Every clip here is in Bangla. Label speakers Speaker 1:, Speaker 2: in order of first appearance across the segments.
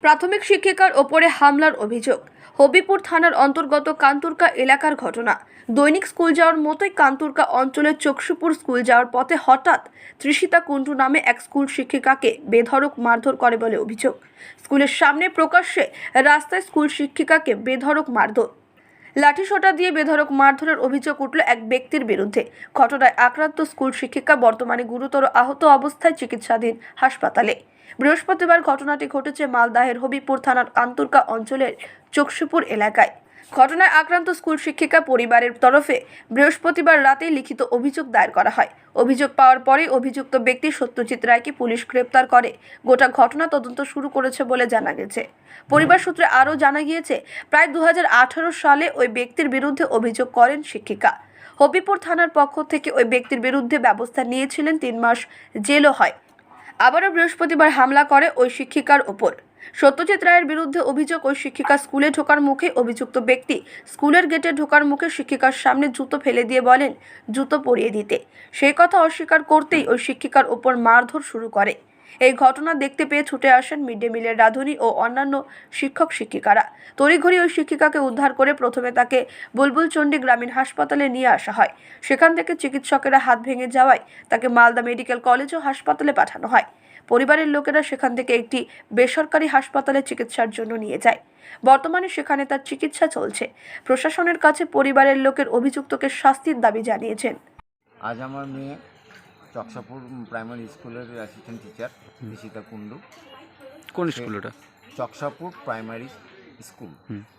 Speaker 1: প্রাথমিক শিক্ষিকার ওপরে হামলার অভিযোগ। হবিপুর থানার অন্তর্গত কান্তুরকা এলাকার ঘটনা। দৈনিক স্কুল যাওয়ার মতোই কান্তুরকা অঞ্চলের চকসুপুর স্কুল যাওয়ার পথে হঠাৎ তৃষিতা কুণ্ডু নামে এক স্কুল শিক্ষিকাকে বেধড়ক মারধর করে বলে অভিযোগ। স্কুলের সামনে প্রকাশ্যে রাস্তায় স্কুল শিক্ষিকাকে বেধড়ক মারধর, লাঠিসোঁটা দিয়ে বেধড়ক মারধরের অভিযোগ উঠল এক ব্যক্তির বিরুদ্ধে। ঘটনায় আক্রান্ত স্কুল শিক্ষিকা বর্তমানে গুরুতর আহত অবস্থায় চিকিৎসাধীন হাসপাতালে। বৃহস্পতিবার ঘটনাটি ঘটেছে মালদাহের হবিপুর থানার কান্তুরকা অঞ্চলের চকসুপুর এলাকায়। ঘটনায় আক্রান্ত স্কুল শিক্ষিকা পরিবারের তরফে বৃহস্পতিবার রাতেই লিখিত অভিযোগ দায়ের করা হয়। অভিযোগ পাওয়ার পরে অভিযুক্ত ব্যক্তি সত্যজিৎ রায়কে পুলিশ গ্রেপ্তার করে গোটা ঘটনা তদন্ত শুরু করেছে বলে জানা গেছে। পরিবার সূত্রে আরও জানা গিয়েছে, প্রায় 2018 সালে ওই ব্যক্তির বিরুদ্ধে অভিযোগ করেন শিক্ষিকা। হবিপুর থানার পক্ষ থেকে ওই ব্যক্তির বিরুদ্ধে ব্যবস্থা নিয়েছিলেন, 3 মাস জেলও হয়। আবারও বৃহস্পতিবার হামলা করে ওই শিক্ষিকার ওপর। সত্যজিৎ রায়ের বিরুদ্ধে অভিযোগ, ওই শিক্ষিকা স্কুলে ঢোকার মুখে অভিযুক্ত ব্যক্তি স্কুলের গেটে ঢোকার মুখে শিক্ষিকার সামনে জুতো ফেলে দিয়ে বলেন জুতো পরিয়ে দিতে। সেই কথা অস্বীকার করতেই ওই শিক্ষিকার ওপর মারধর শুরু করে। এই ঘটনা দেখতে পেয়ে ছুটে আসেন মিড ডে মিলের রাঁধুনি ও অন্যান্য শিক্ষক শিক্ষিকারা। তড়িঘড়ি ওই শিক্ষিকাকে উদ্ধার করে প্রথমে তাকে বুলবুলচন্ডী গ্রামীণ হাসপাতালে নিয়ে আসা হয়। সেখান থেকে চিকিৎসকেরা হাত ভেঙে যাওয়ায় তাকে মালদা মেডিকেল কলেজ ও হাসপাতালে পাঠানো হয়। পরিবারের লোকেরা সেখান থেকে একটি বেসরকারি হাসপাতালে চিকিৎসার জন্য নিয়ে যায়। বর্তমানে সেখানে তার চিকিৎসা চলছে। প্রশাসনের কাছে পরিবারের লোকের অভিযুক্তকে শাস্তির দাবি জানিয়েছেন।
Speaker 2: আজ আমার মেয়ে চকসাপুর প্রাইমারি স্কুলের অ্যাসিস্ট্যান্ট টিচার তৃষিতা কুণ্ডু।
Speaker 3: কোন স্কুল ওটা?
Speaker 2: চকসাপুর প্রাইমারি স্কুল।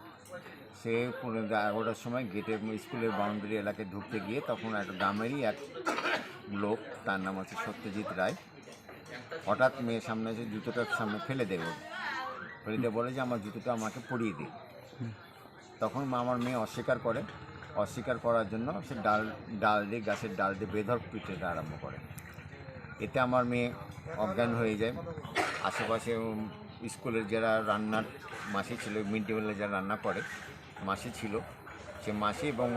Speaker 2: সে 11টার সময় গেটে স্কুলের বাউন্ডারি এলাকায় ঢুকতে গিয়ে তখন একটা গ্রামেরই এক লোক, তার নাম হচ্ছে সত্যজিৎ রায়, হঠাৎ মেয়ের সামনে এসে জুতোটার সামনে ফেলে দেবে, ফেলে দিয়ে বলে যে আমার জুতোটা আমাকে পরিয়ে দিই। তখন আমার মেয়ে অস্বীকার করার জন্য সে ডাল দিয়ে গাছের ডাল দিয়ে বেধড়ক পিটাতে আরম্ভ করে। এতে আমার মেয়ে অজ্ঞান হয়ে যায়। আশেপাশে স্কুলের যারা রান্নার মাসি ছিল, মিড ডে মিলে যারা রান্না করে মাসি ছিল, সে মাসি এবং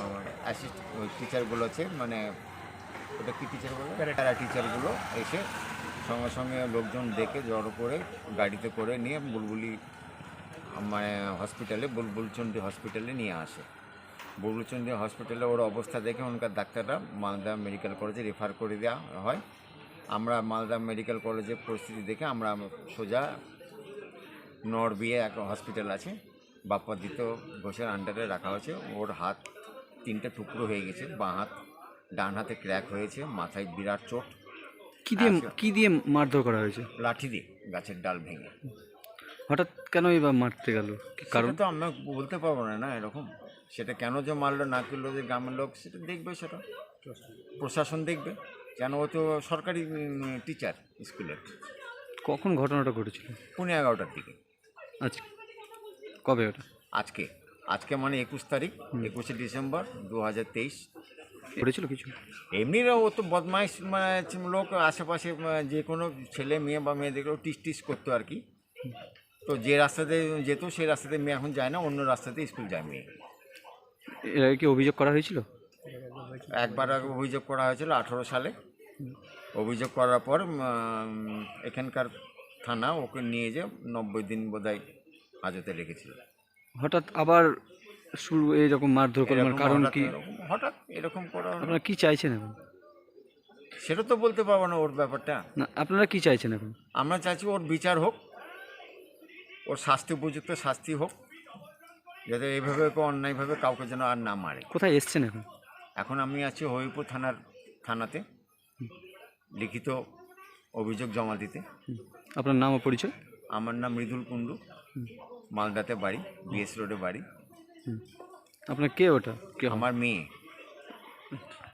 Speaker 2: টিচারগুলো আছে, মানে ওটা কি টিচার বলে, প্যারা টিচারগুলো এসে সঙ্গে সঙ্গে লোকজন ডেকে জড়ো করে গাড়িতে করে নিয়ে মানে বুলবুলচন্ডী হসপিটালে নিয়ে আসে। বুলবুলচন্ডী হসপিটালে ওর অবস্থা দেখে ওখানকার ডাক্তাররা মালদা মেডিকেল কলেজে রেফার করে দেওয়া হয়। আমরা মালদা মেডিকেল কলেজের পরিস্থিতি দেখে আমরা সোজা নরবিয়ে এক হসপিটাল আছে, বাপ্পাদিত্য ঘোষের আন্ডারে রাখা হয়েছে। ওর হাত 3টে টুকরো হয়ে গেছে, বাঁ হাত, ডান হাতে ক্র্যাক হয়েছে, মাথায় বিরাট চোট।
Speaker 3: কি দিয়ে মারধর করা হয়েছে?
Speaker 2: লাঠি দিয়ে, গাছের ডাল ভেঙে।
Speaker 3: হঠাৎ কেন এবার মারতে গেল?
Speaker 2: কারণ তো আমরা বলতে পারবো না এরকম, সেটা কেন যে মারলো না করলো যে গ্রামের লোক সেটা দেখবে, সেটা প্রশাসন দেখবে, কেন ও তো সরকারি টিচার স্কুলের।
Speaker 3: কখন ঘটনাটা ঘটেছিল?
Speaker 2: 11:30টার দিকে।
Speaker 3: আচ্ছা, কবে ওটা?
Speaker 2: আজকে মানে 21 তারিখ, 21শে ডিসেম্বর 2023
Speaker 3: ঘটেছিল কিছু?
Speaker 2: এমনি ও তো বদমাইশ লোক, আশেপাশে যে কোনো ছেলে মেয়ে বা মেয়েদেরকেও টিস করতো আর কি। তো যে রাস্তাতে যেত সেই রাস্তাতে মেয়ে এখন যায় না, অন্য রাস্তাতে স্কুল যায় মেয়ে।
Speaker 3: এর আগে কি অভিযোগ করা হয়েছিল?
Speaker 2: একবার আগে অভিযোগ করা হয়েছিল 18 সালে। অভিযোগ করার পর এখানকার থানা ওকে নিয়ে যে 90 দিন বোধহয় হাজতে রেখেছিল।
Speaker 3: হঠাৎ আবার শুরু এইরকম মারধর করার কারণ কি?
Speaker 2: হঠাৎ এরকম করা।
Speaker 3: আপনারা কি চাইছেন এখন?
Speaker 2: সেটা তো বলতে পারবো না ওর ব্যাপারটা।
Speaker 3: না, আপনারা কি চাইছেন এখন?
Speaker 2: আমরা চাইছি ওর বিচার হোক, ওর উপযুক্ত শাস্তি হোক, যাতে এইভাবে অন্যায়ভাবে কাউকে যেন আর না মারে।
Speaker 3: কোথায় এসছেন এখন?
Speaker 2: এখন আমি আছি হবিপুর থানাতে লিখিত অভিযোগ জমা দিতে।
Speaker 3: আপনার নাম ও পরিচয়?
Speaker 2: আমার নাম মৃদুল কুণ্ডু, মালদাতে বাড়ি, বিএস রোডে বাড়ি।
Speaker 3: আপনার কে ওটা? কে?
Speaker 2: আমার মেয়ে।